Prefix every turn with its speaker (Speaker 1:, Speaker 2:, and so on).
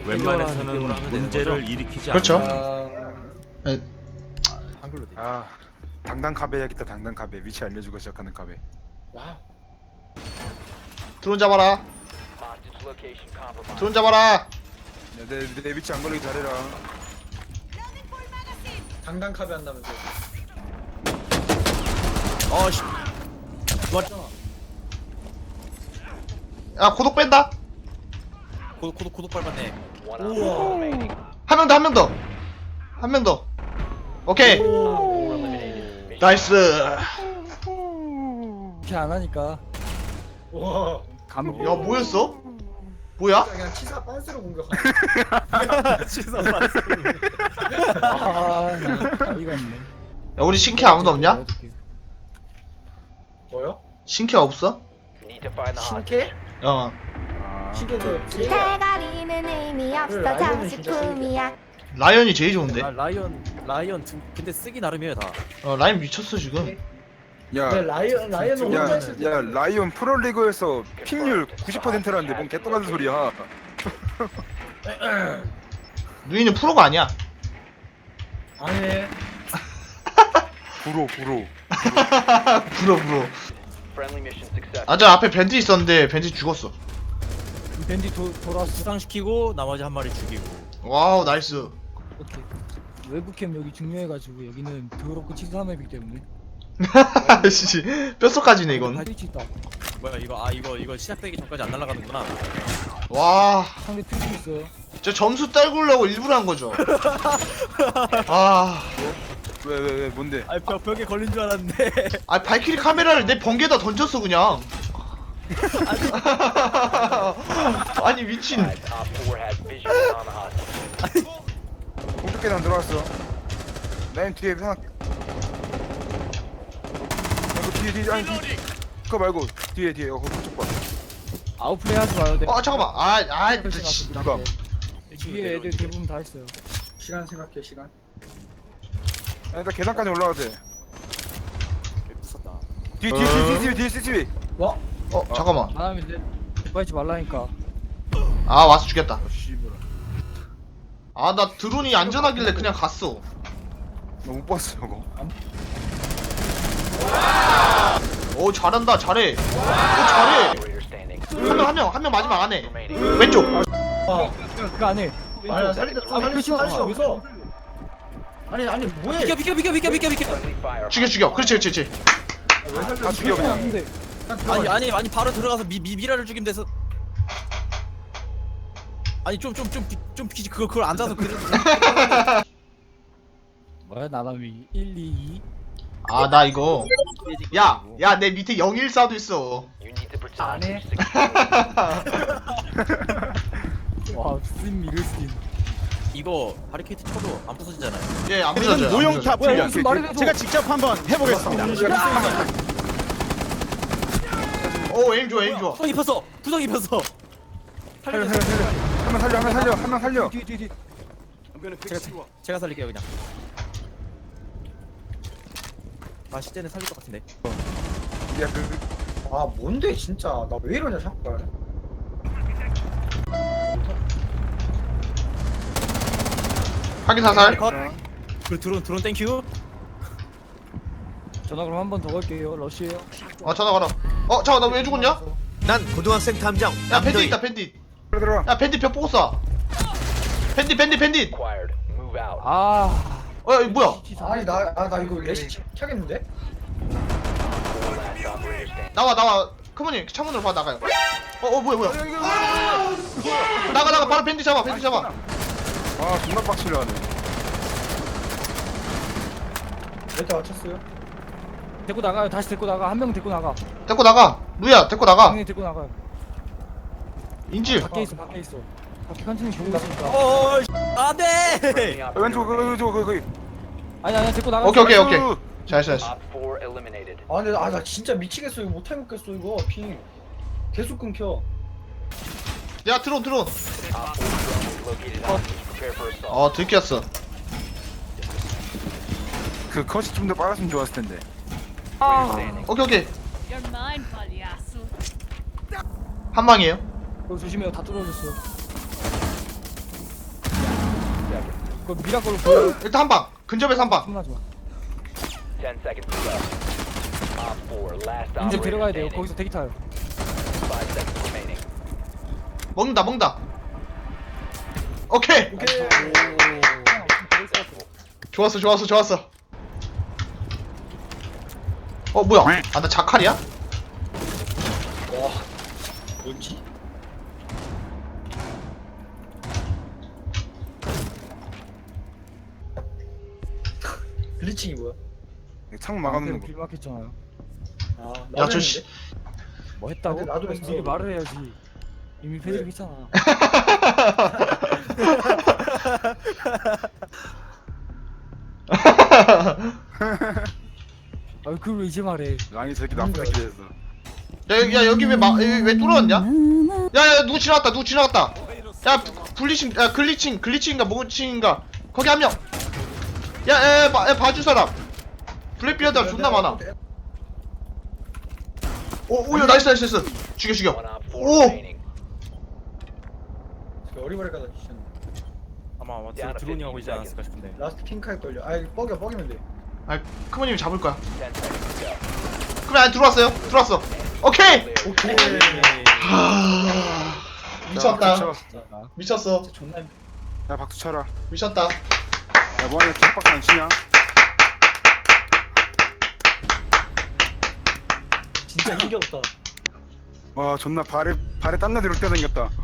Speaker 1: 웬만해서는 문제를 일으키지
Speaker 2: 그렇죠.
Speaker 1: 않는다.
Speaker 2: 네.
Speaker 3: 한글로 돼.
Speaker 4: 아 당당 카베 해야겠다. 당당 카베 위치 알려주고 시작하는 카베.
Speaker 3: 와.
Speaker 2: 드론 잡아라. 드론 잡아라.
Speaker 4: 내 위치 안 걸리게 잘해라.
Speaker 3: 당당 카베 한다면서.
Speaker 1: 어씨.
Speaker 2: 야 고독 뺀다.
Speaker 1: 고독 밟았네.
Speaker 2: 한 명 더, 한 명 더. 한 명 더. 오케이. 나이스.
Speaker 5: 이렇게 안 하니까
Speaker 3: 와.
Speaker 5: 감기.
Speaker 2: 야 뭐였어? 뭐야?
Speaker 3: 그냥 치사 빤스로 공격하네.
Speaker 1: 치사
Speaker 5: 아, 이가 있네.
Speaker 2: 야 우리 신캐 아무도 없냐?
Speaker 3: 뭐요?
Speaker 2: 신캐 없어?
Speaker 3: 신캐?
Speaker 2: 어.
Speaker 3: 신캐도
Speaker 6: 대가리는 의미 없어 장식품이야.
Speaker 2: 라이언이 제일 좋은데.
Speaker 1: 라이언 근데 쓰기 나름이에요 다.
Speaker 2: 라이언 미쳤어 지금.
Speaker 4: 야.
Speaker 3: 네, 라이언은 혼자 있을 때.
Speaker 4: 야 라이온 프로리그에서 픽률 90%라는데 뭔 개똥같은 소리야.
Speaker 2: 누이는 프로가 아니야.
Speaker 3: 아니.
Speaker 4: 부로.
Speaker 2: 불어. 아 저 앞에 밴드 있었는데 밴드 죽었어.
Speaker 5: 밴디 돌아왔어.
Speaker 1: 부상시키고 나머지 한 마리 죽이고.
Speaker 2: 와우 나이스.
Speaker 5: 오케이. 외부캠 여기 중요해가지고 여기는 더럽고 치사함이기 때문에.
Speaker 2: 씨 뼛속까지네 이건.
Speaker 5: 스위치 있다.
Speaker 1: 뭐야 이거 시작되기 전까지 안 날아가는구나.
Speaker 2: 와.
Speaker 5: 상대 필수 있어요.
Speaker 2: 저 점수 딸구려고 일부러 한 거죠. 아.
Speaker 4: 왜 뭔데?
Speaker 1: 아니 벽에 걸린 줄 알았는데.
Speaker 2: 아 발키리 카메라를 내 번개에다 던졌어 그냥. 아니 미친.
Speaker 4: 공격 계단 들어왔어. 라인 뒤에 하나. 뒤에 아니 그거 말고 뒤에 그쪽 봐.
Speaker 5: 아웃플레이 하지 마요. 네.
Speaker 2: 잠깐만.
Speaker 4: 누가?
Speaker 5: 뒤에 애들 대부분 다 했어요.
Speaker 3: 시간 생각해 시간.
Speaker 4: 일단 계단까지 올라가야 돼.
Speaker 1: 미쳤다.
Speaker 4: 뒤에 CCTV.
Speaker 3: 와.
Speaker 2: 잠깐만.
Speaker 5: 안 하면 돼. 대파이지 말라니까.
Speaker 2: 아 와서 죽겠다.
Speaker 4: 씨발.
Speaker 2: 아 나 드론이 안전하길래 그냥 갔어.
Speaker 4: 나 못 봤어 저거.
Speaker 2: 오 잘한다 잘해. 오 잘해. 한 명 마지막 안에. 왼쪽.
Speaker 5: 그거 안 해.
Speaker 3: 아니 살리다 살리지 여기서. 아니 뭐해?
Speaker 1: 비켜.
Speaker 2: 죽여. 그렇지.
Speaker 4: 다 죽여 그냥.
Speaker 5: 근데
Speaker 1: 아니 바로 들어가서 미라를 죽이면 돼서. 아니 좀 그걸 앉아서 그래.
Speaker 5: 뭐야 나람이 1, 2, 2.
Speaker 2: 아 나 이거. 야 내 밑에 014도 있어.
Speaker 5: 안 해. 와 스팀 미를 스팀.
Speaker 1: 이거 바리케이트 쳐도 안 부서지잖아요.
Speaker 2: 예 안 부서져요.
Speaker 5: 뭐야
Speaker 7: 모형타 훈련
Speaker 5: 무슨 말이 돼도
Speaker 7: 제가 직접 한번 해보겠습니다.
Speaker 2: 오 에임 좋아.
Speaker 1: 부상 입혔어.
Speaker 4: 살려. 한 명 살려.
Speaker 5: 뒤.
Speaker 1: 제가 살릴게요 그냥. 아 실제는 살릴 것 같은데.
Speaker 4: 야
Speaker 3: 아 뭔데 진짜 나 왜 이러냐 자꾸.
Speaker 2: 확인 사살.
Speaker 1: 그 드론 땡큐.
Speaker 5: 전화 그럼 한 번 더 걸게요. 러시에요.
Speaker 2: 전화 걸어. 잠깐 나 왜 죽었냐?
Speaker 7: 난 고등학생 탐정
Speaker 2: 야 밴드 있다 밴드.
Speaker 4: 들어가.
Speaker 2: 야 밴드 벽 보고 쏴. 밴드.
Speaker 5: 아.
Speaker 2: 야 이거 뭐야?
Speaker 3: 아니 나 이거 레시 켜겠는데?
Speaker 2: 나와. 크모님 창문으로 봐 나가요. 뭐야? 나가 바로 밴드 잡아.
Speaker 4: 아 존나 빡치려 하네.
Speaker 3: 몇대 맞췄어요?
Speaker 5: 데리고 나가요. 다시 데리고 나가. 한 명 데리고 나가.
Speaker 2: 데리고 나가. 루야 데리고 나가.
Speaker 5: 형님 데리고 나가요.
Speaker 2: 인질.
Speaker 5: 밖에 있어. 밖에 컨티뉴 보고 있으니까.
Speaker 1: 안돼.
Speaker 4: 왼쪽 거기.
Speaker 5: 아니 데리고 나가.
Speaker 2: 오케이. 잘했어.
Speaker 3: 아 근데 나 진짜 미치겠어 이거 못 해먹겠어 이거 핑 계속 끊겨.
Speaker 2: 야 드론. 들켰어.
Speaker 4: 그 컷이 좀 더 빨랐으면 좋았을 텐데.
Speaker 2: 오케이.
Speaker 6: You're mine, pagliasso.
Speaker 2: 한 방이에요.
Speaker 5: 조심해요. 다 뚫어졌어. 그 미라클로 보여.
Speaker 2: 일단 한방 근접에서 한방.
Speaker 5: 숨나지 마.
Speaker 8: 10 seconds to go. Op 4, last
Speaker 5: 이제
Speaker 8: operator
Speaker 5: 데려가야 돼요.
Speaker 8: standing.
Speaker 5: 거기서 대기 타요.
Speaker 8: 5 seconds remaining.
Speaker 2: 먹는다. 오케이. 좋았어. 뭐야? 아, 나 자칼이야?
Speaker 3: 와 뭐지? 글리칭이 뭐야?
Speaker 4: 창문 막아놓는 거.
Speaker 5: 빌 막혔잖아요.
Speaker 3: 아
Speaker 2: 야, 저 씨.
Speaker 5: 뭐 했다고?
Speaker 3: 근데 나도 했어.
Speaker 5: 이게 말을 해야지. 이미 패드립 했잖아. 아 그걸 왜 이제 말해?
Speaker 4: 랑이 저기 나쁜 새끼였어.
Speaker 2: 야, 여기 왜 뚫어놨냐? 야, 누구 지나갔다. 야, 글리칭인가 뭐칭인가. 거기 한 명. 야, 봐줄 사람. 블랙비어드가 존나 많아. 야, 나이스. 죽여.
Speaker 8: One op 4
Speaker 2: 오!
Speaker 8: remaining.
Speaker 3: 어리버리가다 진짜.
Speaker 1: 아마 드론이 하고 있지 않았을까 싶은데.
Speaker 3: 라스트 핑크 할 걸요. 아 이거 뻐기면 돼.
Speaker 2: 아, 크모님이 잡을 거야.
Speaker 8: 10 seconds to go.
Speaker 2: 그래, 안에 들어왔어. 오케이.
Speaker 3: 오케이.
Speaker 2: 미쳤다.
Speaker 4: 쳐.
Speaker 2: 미쳤어.
Speaker 3: 진짜 존나
Speaker 4: 야 박수 쳐라.
Speaker 2: 미쳤다.
Speaker 4: 야 뭐하냐 기박박수 안 치냐?
Speaker 3: 진짜 힘겹다.
Speaker 4: 와 존나 발에 땀나 들을 때 생겼다.